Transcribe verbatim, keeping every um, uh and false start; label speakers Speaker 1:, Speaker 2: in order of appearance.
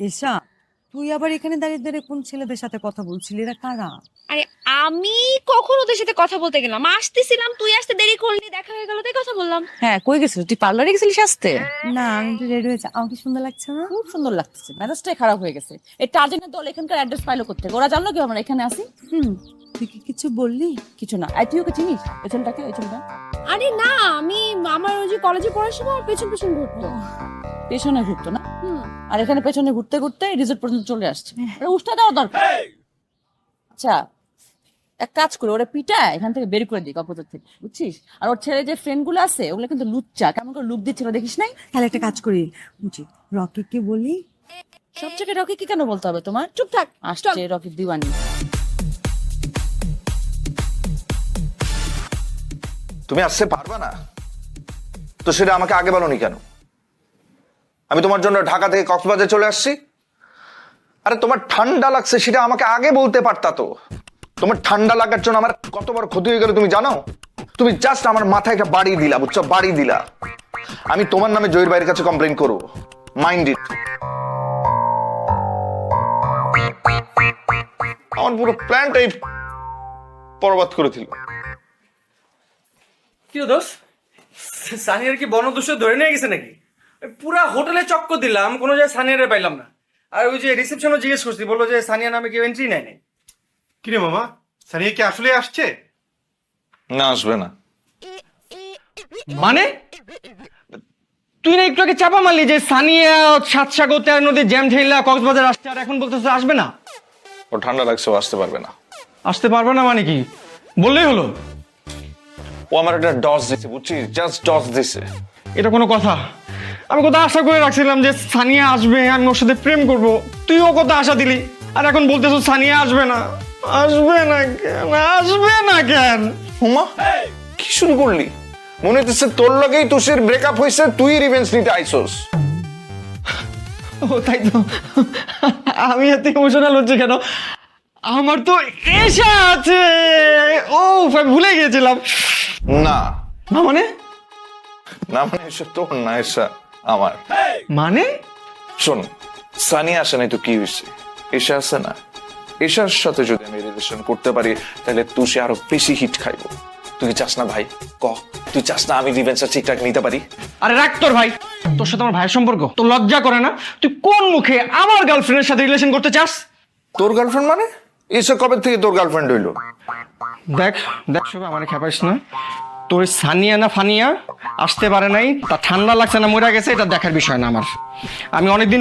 Speaker 1: এসা, তুই আবার এখানে দাঁড়িয়ে দাঁড়িয়ে কোন ছেলেদের সাথে কথা বলছিলি? এরা কারা?
Speaker 2: আরে আমি কখন ওদের সাথে কথা বলতে গেলাম? আসতেছিলাম, তুই আসতে দেরি করলি, দেখা হয়ে গেল তাই কথা বললাম।
Speaker 3: হ্যাঁ, কই গেছিস তুই? পার্লারে গেছিলিস আসতে?
Speaker 1: না, আমি একটু রেডি হয়েছে। আমাকে সুন্দর লাগছে না?
Speaker 3: খুব সুন্দর লাগতেছে, মেজাজটাই খারাপ হয়ে গেছে। এই টার্জেনের দল এখানকার অ্যাড্রেস পাইলো করতে, ওরা জানলো কি আমরা এখানে আসি?
Speaker 1: হুম, তুই কি কিছু বললি?
Speaker 3: কিছু না। আর তুই ওকে চিনিস? ওই ছেলেটাকে, ওই ছেলেটা
Speaker 2: আরে না, আমি আমার ওই যে কলেজে পড়ার সময় ওর পেছন পেছন ঘুরতো।
Speaker 3: পেছনে ঘুরতো না?
Speaker 2: হুম।
Speaker 3: আর এখানে পেছনে ঘুরতে ঘুরতে রিসোর্ট পর্যন্ত চলে আসছে। আরে উষ্টা দেওয়া দরকার। আচ্ছা, এক কাজ করে ওরা পিটা এখান থেকে বের করে দিই অপোজিট থেকে, বুঝছিস? আর ওর ছেলে যে ফ্রেন্ড গুলো আছে ওগুলো কিন্তু লুচ্চা, কেমন করে লুক দিচ্ছিল দেখিস নাই?
Speaker 1: তাহলে একটা কাজ করি, বুঝি রকিকে বলি।
Speaker 3: সব জায়গায় রকি কি কেন বলতে হবে তোমার? চুপ থাক, আসছে রকি দিওয়ানি।
Speaker 4: তুমি আসতে পারবা না তো সেটা আমাকে আগে বলোনি কেন? আমি তোমার জন্য ঢাকা থেকে কক্সবাজার চলে আসছি। আরে তোমার ঠান্ডা লাগছে সেটা আমাকে আগে বলতে পারতা তো। তোমার ঠান্ডা লাগার জন্য আমার কত বড় ক্ষতি হয়ে গেল তুমি জানো? তুমি জাস্ট আমার মাথায় একটা বাড়ি দিলা, বুঝছো? বাড়ি দিলা। আমি তোমার নামে জয়ের ভাইয়ের কাছে কমপ্লেন করবো, মাইন্ড ইট। আমার পুরো প্ল্যানটাই বরবাদ করে দিল।
Speaker 5: কি দোষ? সানিয়ার কি বনদস্য ধরে নিয়ে গেছে নাকি? ওই পুরা হোটেলে চক্কর দিলাম, কোনো জায়গায় সানিয়ারে পাইলাম না। আর ওই যে রিসেপশনও জিজ্ঞেস করছি, বললো যে সানিয়া নামে কেউ এন্ট্রি নেয় নাই।
Speaker 6: কিরে মামা, সানিয়া কি আসলে আসছে?
Speaker 4: না, আসবে না।
Speaker 5: মানে তুই না একটু আগে চাপা মারলি যে সানিয়া সাত সাগর তেরো নদী জ্যাম ঠেলা কক্সবাজার আসছে, আর এখন বলতেছে আসবে না?
Speaker 4: ও ঠান্ডা লাগছে, ও আসতে পারবে না।
Speaker 5: আসতে পারবে না মানে কি? বললেই হলো।
Speaker 4: ও আমার একটা ডস দিছে, বুঝছিস? জাস্ট ডস দিছে।
Speaker 5: এটা কোনো কথা? আমি কত আশা করে রাখছিলাম যে সানিয়া আসবে, আমি ওর সাথে প্রেম করব, তুইও কত আশা দিলি, আর এখন বলতেছ সানিয়া আসবে না। আসবে না কেন? আসবে না কেন?
Speaker 4: হুমা, কি শুরু করলি? মনে হচ্ছে তোর লগেই তুষের ব্রেকআপ হয়েছে, তুই রিভেঞ্জ নিতে আইসোস।
Speaker 5: ও তাই তো, আমি এত ইমোশনাল হচ্ছে কেন? আমার তো এসা আছে। ও আমি ভুলে গিয়েছিলাম।
Speaker 4: না
Speaker 5: না মানে?
Speaker 4: না মানে এসব তোর না, এসা আমার।
Speaker 5: মানে
Speaker 4: শোন, সানি আসে নাই তো কি হয়েছে? এসা আছে না, এসার সাথে যদি আমি রিলেশন করতে পারি তাহলে তুষে আরো বেশি হিট খাইবো। তুই কি চাস না ভাই? ক, তুই চাস না আমি রিভেঞ্জটা ঠিকঠাক নিতে পারি?
Speaker 5: আরে রাখ তোর ভাই, তোর সাথে আমার ভাইয়ের সম্পর্ক, তোর লজ্জা করে না? তুই কোন মুখে আমার গার্লফ্রেন্ডের সাথে রিলেশন করতে চাস?
Speaker 4: তোর গার্লফ্রেন্ড মানে? এসা কবে থেকে তোর গার্লফ্রেন্ড হইলো?
Speaker 5: দেখ দেখ সবাই আমার খেপাইস না। তোর সানিয়া না ফানিয়া আসতে পারে নাই, তা ঠান্ডা লাগছে না মরে গেছে এটা দেখার বিষয় না আমার। আমি অনেকদিন